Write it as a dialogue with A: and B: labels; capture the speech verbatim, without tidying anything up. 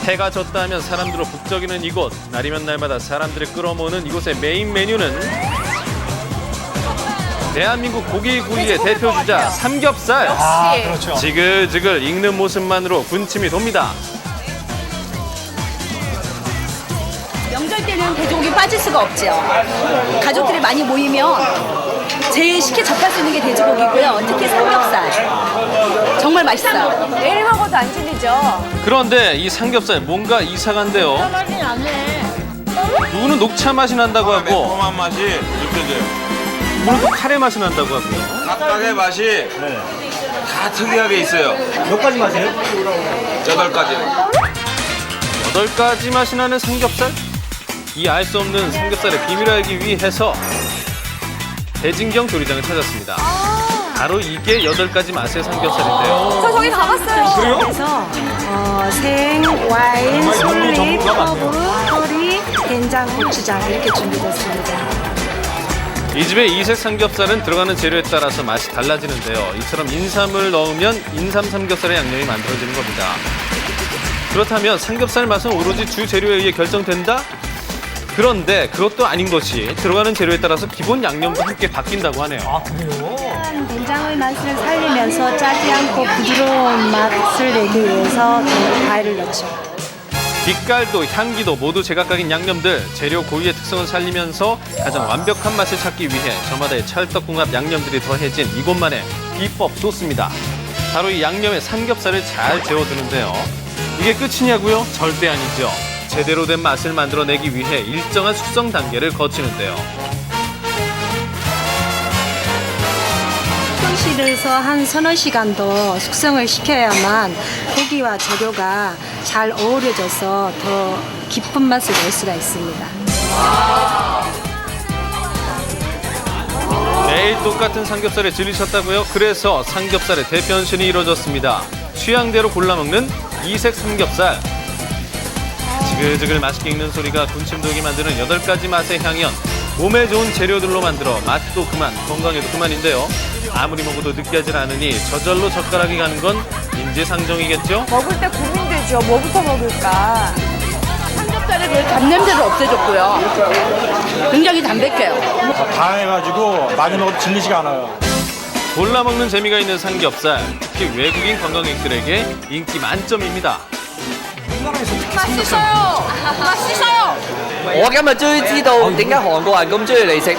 A: 해가 졌다 하면 사람들로 북적이는 이곳. 날이면 날마다 사람들을 끌어모으는 이곳의 메인 메뉴는 대한민국 고기구이의 대표 주자 삼겹살.
B: 아, 그렇죠.
A: 지글지글 익는 모습만으로 군침이 돕니다.
C: 명절 때는 돼지고기 빠질 수가 없죠. 가족들이 많이 모이면 제일 쉽게 접할 수 있는 게 돼지고기고요. 특히 삼겹살. 정말 맛있어요.
B: 매일 먹어도 안 질리죠?
A: 그런데 이 삼겹살 뭔가 이상한데요.
B: 맛이 나네.
A: 누구는 녹차 맛이 난다고 하고
D: 매콤한 맛이 느껴져요.
A: 누구는 또 카레 맛이 난다고 하고요.
D: 각각의 맛이 다 특이하게 있어요.
E: 몇 가지 맛이에요?
D: 여덟 가지.
A: 여덟 가지 맛이 나는 삼겹살? 이 알 수 없는 삼겹살의 비밀을 알기 위해서 대진경 조리장을 찾았습니다. 바로 이게 여덟 가지 맛의 삼겹살인데요.
B: 저 저기 가봤어요.
F: 그래서 어, 생, 와인,
E: 요리
F: 솔잎,
E: 전문가 같네요.
F: 허브, 커리, 된장, 고추장 이렇게 준비됐습니다.
A: 이 집의 이색 삼겹살은 들어가는 재료에 따라서 맛이 달라지는데요. 이처럼 인삼을 넣으면 인삼 삼겹살의 양념이 만들어지는 겁니다. 그렇다면 삼겹살 맛은 오로지 주 재료에 의해 결정된다? 그런데 그것도 아닌 것이 들어가는 재료에 따라서 기본 양념도 함께 바뀐다고 하네요.
E: 아, 그래요?
F: 된장의 맛을 살리면서 짜지 않고 부드러운 맛을 내기 위해서 과일을 넣죠.
A: 빛깔도 향기도 모두 제각각인 양념들, 재료 고유의 특성을 살리면서 가장 완벽한 맛을 찾기 위해 저마다의 찰떡궁합 양념들이 더해진 이곳만의 비법 소스입니다. 바로 이 양념에 삼겹살을 잘 재워두는데요. 이게 끝이냐고요? 절대 아니죠. 제대로 된 맛을 만들어내기 위해 일정한 숙성 단계를 거치는데요.
F: 숙성실에서 한 서너 시간 더 숙성을 시켜야만 고기와 재료가 잘 어우러져서 더 깊은 맛을 낼 수가 있습니다.
A: 매일 똑같은 삼겹살에 질리셨다고요? 그래서 삼겹살의 대변신이 이루어졌습니다. 취향대로 골라먹는 이색 삼겹살. 지글지글 맛있게 익는 소리가 군침 돌게 만드는 여덟 가지 맛의 향연. 몸에 좋은 재료들로 만들어 맛도 그만, 건강에도 그만인데요. 아무리 먹어도 느끼하지 않으니 저절로 젓가락이 가는 건 인지상정이겠죠?
B: 먹을 때 고민되죠. 뭐부터 먹을까?
C: 삼겹살의 그 잡냄새를 없애줬고요. 굉장히 담백해요.
E: 다양해가지고 많이 먹어도 질리지가 않아요.
A: 골라 먹는 재미가 있는 삼겹살. 특히 외국인 관광객들에게 인기 만점입니다.
B: 맛있어요. 맛있어요.
G: 我今日終於知道點解韓國人咁中意嚟食